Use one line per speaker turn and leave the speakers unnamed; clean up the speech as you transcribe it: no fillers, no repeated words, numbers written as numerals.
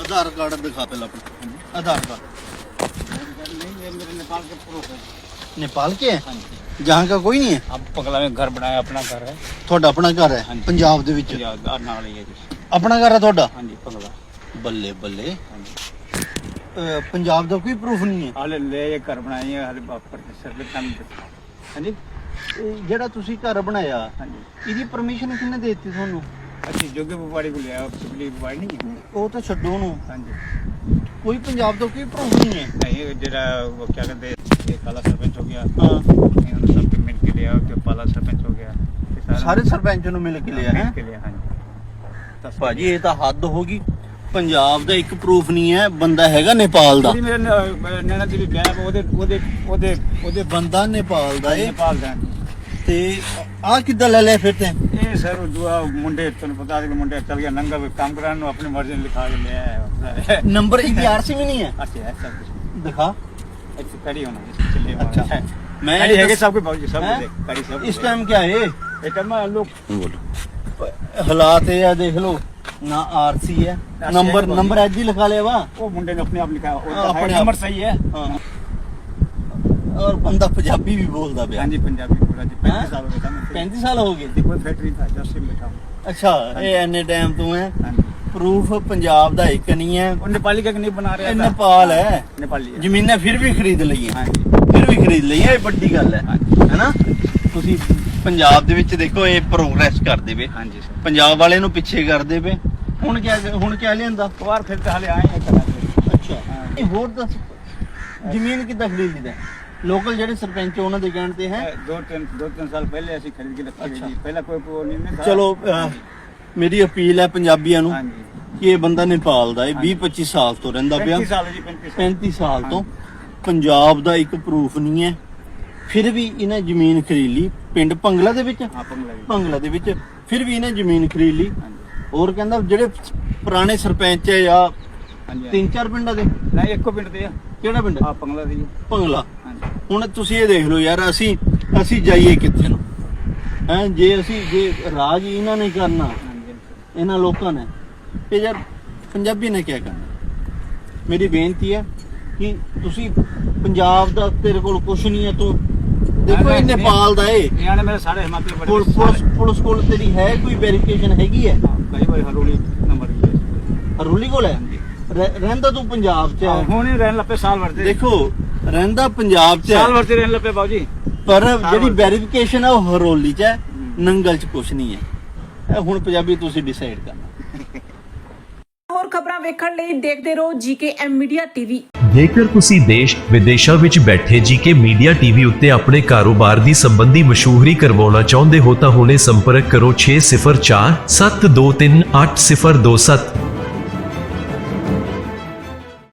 आधार card दिखा पहले अपना, आधार कार्ड।
नहीं, ये मेरे नेपाल के प्रूफ है।
नेपाल के है?
हाँ जी।
जहाँ का कोई नहीं है?
अब पगला में घर बनाया, अपना घर है।
ਤੁਹਾਡਾ ਆਪਣਾ ਘਰ ਹੈ
ਹਾਂਜੀ।
ਪੰਜਾਬ ਦੇ ਵਿੱਚ?
नाल ही है जी।
ਆਪਣਾ ਘਰ ਹੈ ਤੁਹਾਡਾ?
हाँ जी, पगला।
ਬੱਲੇ ਬੱਲੇ।
हाँ जी।
ਪੰਜਾਬ ਦਾ ਕੋਈ ਪ੍ਰੂਫ ਨਹੀਂ ਹੈ?
हाले ले ये घर बनाई है, हाले पर सर पे काम। हाँ जी।
ਇਹ ਜਿਹੜਾ ਤੁਸੀਂ ਘਰ ਬਣਾਇਆ
हाँ जी।
ਇਹਦੀ ਪਰਮਿਸ਼ਨ ਕਿਹਨੇ ਦੇ ਦਿੱਤੀ ਤੁਹਾਨੂੰ?
अच्छी जोगे बुवाड़ी को लिया, पिछली बुवाड़ी नहीं है।
ਉਹ ਤਾਂ ਛੱਡੋ ਉਹਨੂੰ,
हाँ जी।
ਕੋਈ ਪੰਜਾਬ ਦਾ ਕੋਈ ਪ੍ਰੂਫ ਨਹੀਂ ਹੈ।
नहीं, जरा वो क्या कहते हैं, ये काला सरपंच हो गया।
ਹਾਂ,
इन्होंने सबके मिल के लिया, जो पाला सरपंच हो गया। ये
ਸਾਰੇ ਸਰਪੰਚ ਨੂੰ ਮਿਲ ਕੇ ਲਿਆ ਹੈ?
मिल के लिया। हाँ जी।
ਭਾਜੀ ਇਹ ਤਾਂ ਹੱਦ ਹੋ ਗਈ। ਪੰਜਾਬ ਦਾ ਇੱਕ ਪ੍ਰੂਫ ਨਹੀਂ ਹੈ, ਬੰਦਾ ਹੈਗਾ ਨੇਪਾਲ ਦਾ।
जी, मेरे नैना जी गैप ओदे
ਬੰਦਾ ਨੇਪਾਲ ਦਾ ਏ।
नेपाल दा।
ਤੇ ਆ ਕਿੱਦਾਂ ਲੈ ਲਿਆ ਫਿਰ ਤੇ?
ਇਹ ਸਰ ਦੁਆ ਮੁੰਡੇ ਤੁਹਾਨੂੰ ਪਤਾ ਹੈ ਕਿ ਮੁੰਡੇ ਚੱਲ ਗਿਆ ਨੰਗਾ ਵੀ ਕੰਮ ਕਰਾਉਣ ਨੂੰ ਆਪਣੀ ਮਰਜ਼ੀ ਨਾਲ ਲਿਖਾ ਕੇ ਲੈ ਆਇਆ।
ਨੰਬਰ ਇਹਦੀ ਆਰਸੀ ਵੀ ਨਹੀਂ ਹੈ?
ਅੱਛਾ ਹੈ ਸਭ ਕੁਝ
ਦਿਖਾ।
ਇੱਥੇ ਕਰੀ ਹੋਣਾ ਚੱਲੇ
ਅੱਛਾ ਮੈਂ
ਕਰੀ ਹੈਗੇ ਸਭ ਕੁਝ ਬਾਜੀ ਸਭ
ਹੈਂ?
ਕੁਝ ਕਰੀ ਸਭ
ਇਸ ਟਾਈਮ क्या है?
ਇਹ ਟਾਈਮ ਲੋਕ
ਹਾਲਾਤ ਇਹ ਆ ਦੇਖ ਲਓ, ਨਾ ਆਰਸੀ ਹੈ, ਨੰਬਰ ਨੰਬਰ ਐਜ ਹੀ ਲਿਖਾ ਲਿਆ ਵਾ।
ਉਹ ਮੁੰਡੇ ਨੇ ਆਪਣੇ ਆਪ ਲਿਖਾਇਆ ਉਹ
ਆਪਣੇ
ਆਪਣੇ
ਆਪ।
ਨੰਬਰ ਸਹੀ ਹੈ।
ਹਾਂ, ਔਰ ਬੰਦਾ ਪੰਜਾਬੀ ਵੀ ਬੋਲਦਾ ਪਿਆ।
ਹਾਂਜੀ ਪੰਜਾਬੀ ਪੂਰਾ ਜੀ 35 ਸਾਲ ਹੋ ਗਏ ਸਾਨੂੰ
35 ਸਾਲ ਹੋ ਗਏ?
ਕੋਈ ਫੈਕਟਰੀ ਦਾ ਜਸਟ ਬਿਠਾ
ਅੱਛਾ, ਇਹ ਐਨੇ ਟਾਈਮ ਤੋਂ ਹੈ।
ਹਾਂਜੀ
ਪ੍ਰੂਫ ਪੰਜਾਬ ਦਾ ਇੱਕ ਨਹੀਂ ਹੈ,
ਉਹ ਨੇਪਾਲੀ का नहीं बना रहा
ਇਹ
था
ਨੇਪਾਲ ਹੈ।
नेपाली है।
ਜ਼ਮੀਨਾਂ ਫਿਰ ਵੀ ਖਰੀਦ ਲਈਆਂ,
हाँ जी।
ਫਿਰ ਵੀ ਖਰੀਦ ਲਈਆਂ, ਇਹ ਵੱਡੀ ਗੱਲ ਹੈ ਹੈਨਾ। ਤੁਸੀਂ ਪੰਜਾਬ ਦੇ ਵਿੱਚ ਦੇਖੋ ਇਹ ਪ੍ਰੋਗਰੈਸ ਕਰਦੇ ਵੇ,
हाँ जी सर।
ਪੰਜਾਬ ਵਾਲੇ ਨੂੰ ਪਿੱਛੇ ਕਰਦੇ ਵੇ। ਹੁਣ ਕਿਆ ਲਿਆਂਦਾ?
और फिर तो हाले आए हैं करा।
ਅੱਛਾ, ਇਹ ਹੋਰ ਦੱਸ ਜ਼ਮੀਨ ਕਿੱਦਾਂ ਖਰੀਦ ਲਿਆ? ਲੋਕਲ ਜਿਹੜੇ ਸਰਪੰਚ ਉਹਨਾਂ ਦੇ ਕਹਿਣ ਤੇ ਹੈ।
दो तीन साल पहले ऐसी खरीद के रखी
अच्छा।
गई। पहला कोई नहीं था।
ਚਲੋ ਮੇਰੀ ਅਪੀਲ ਹੈ ਪੰਜਾਬੀਆਂ ਨੂੰ
हाँ जी।
ਕਿ ਇਹ ਬੰਦਾ ਨੇਪਾਲ ਦਾ ਹੈ, 20-25 ਸਾਲ ਤੋਂ ਰਹਿੰਦਾ ਪਿਆ,
35 साल है जी 35 साल।
35 ਸਾਲ ਤੋਂ। ਪੰਜਾਬ ਦਾ ਇੱਕ ਪ੍ਰੂਫ ਨਹੀਂ ਹੈ, ਫਿਰ ਵੀ ਇਹਨੇ ਜ਼ਮੀਨ ਖਰੀਦ ਲਈ ਪਿੰਡ ਭੰਗਲਾ ਦੇ ਵਿੱਚ।
हाँ पंगला जी।
ਭੰਗਲਾ ਦੇ ਵਿੱਚ ਫਿਰ ਵੀ ਇਹਨੇ ਜ਼ਮੀਨ ਖਰੀਦ ਲਈ।
हाँ जी।
ਹੋਰ ਕਹਿੰਦਾ ਜਿਹੜੇ ਪੁਰਾਣੇ ਸਰਪੰਚ ਹੈ ਜਾਂ
हाँ जी।
3-4 ਪਿੰਡਾਂ ਦੇ,
नहीं एक को पिंड दिया।
ਕਿਹੜਾ ਪਿੰਡ?
हाँ पंगला दी।
ਭੰਗਲਾ।
हाँ जी।
ਹੁਣ ਤੁਸੀਂ ਇਹ ਦੇਖ ਲਓ ਯਾਰ, ਅਸੀਂ ਜਾਈਏ ਕਿੱਥੇ ਨੂੰ ਹੈ? ਜੇ ਰਾਜ ਹੀ ਇਹਨਾਂ ਨੇ ਕਰਨਾ,
हाँ जी।
ਇਹਨਾਂ ਲੋਕਾਂ ਨੇ, ਤੇ ਯਾਰ ਪੰਜਾਬੀ ਨੇ ਕੀ ਕਰਨਾ? ਮੇਰੀ ਬੇਨਤੀ ਹੈ ਕਿ ਤੁਸੀਂ ਪੰਜਾਬ ਦਾ ਤੇਰੇ ਕੋਲ ਕੁਛ ਨਹੀਂ ਹੈ, ਤੂੰ ਦੇਖੋ ਇਹ ਨੇਪਾਲ ਦਾ ਏ।
यहाँ ने मेरे सारे हिमाचल बड़े
ਪੁਲਿਸ ਕੋਲ ਤੇਰੀ ਹੈ ਕੋਈ ਵੈਰੀਫਿਕੇਸ਼ਨ ਹੈਗੀ ਹੈ?
कई बार हरोली नंबर दिए।
ਹਰੂਲੀ ਕੋਲ ਹੈ? ਰਹਿੰਦਾ ਤੂੰ ਪੰਜਾਬ 'ਚ ਹੈ?
ਹੁਣ ਹੀ ਰਹਿਣ ਲੱਪੇ ਸਾਲ ਵਰਤੇ।
ਦੇਖੋ ਰਹਿੰਦਾ ਪੰਜਾਬ 'ਚ
ਸਾਲ
ਹੈ,
ਵਰਤੇ ਰਹਿਣ ਲੱਪੇ ਬਾਊਜੀ।
ਪਰ ਜਿਹੜੀ ਵੈਰੀਫਿਕੇਸ਼ਨ ਹੈ ਉਹ ਹਰੋਲੀ 'ਚ ਹੈ, ਨੰਗਲ 'ਚ ਕੁਛ ਨਹੀਂ ਹੈ। ਇਹ ਹੁਣ ਪੰਜਾਬੀ ਤੁਸੀਂ ਡਿਸਾਈਡ ਕਰਨਾ।
ਹੋਰ ਖਬਰਾਂ ਵੇਖਣ ਲਈ ਦੇਖਦੇ ਰਹੋ ਜੀਕੇਐਮ ਮੀਡੀਆ ਟੀਵੀ।
ਜੇਕਰ ਤੁਸੀਂ ਦੇਸ਼ ਵਿਦੇਸ਼ਾਂ ਵਿੱਚ ਬੈਠੇ ਜੀਕੇ ਮੀਡੀਆ ਟੀਵੀ ਉੱਤੇ ਆਪਣੇ ਕਾਰੋਬਾਰ ਦੀ ਸੰਬੰਧੀ ਮਸ਼ਹੂਰੀ ਕਰਵਾਉਣਾ ਚਾਹੁੰਦੇ ਹੋ ਤਾਂ ਹੁਣੇ ਸੰਪਰਕ ਕਰੋ 6047238027।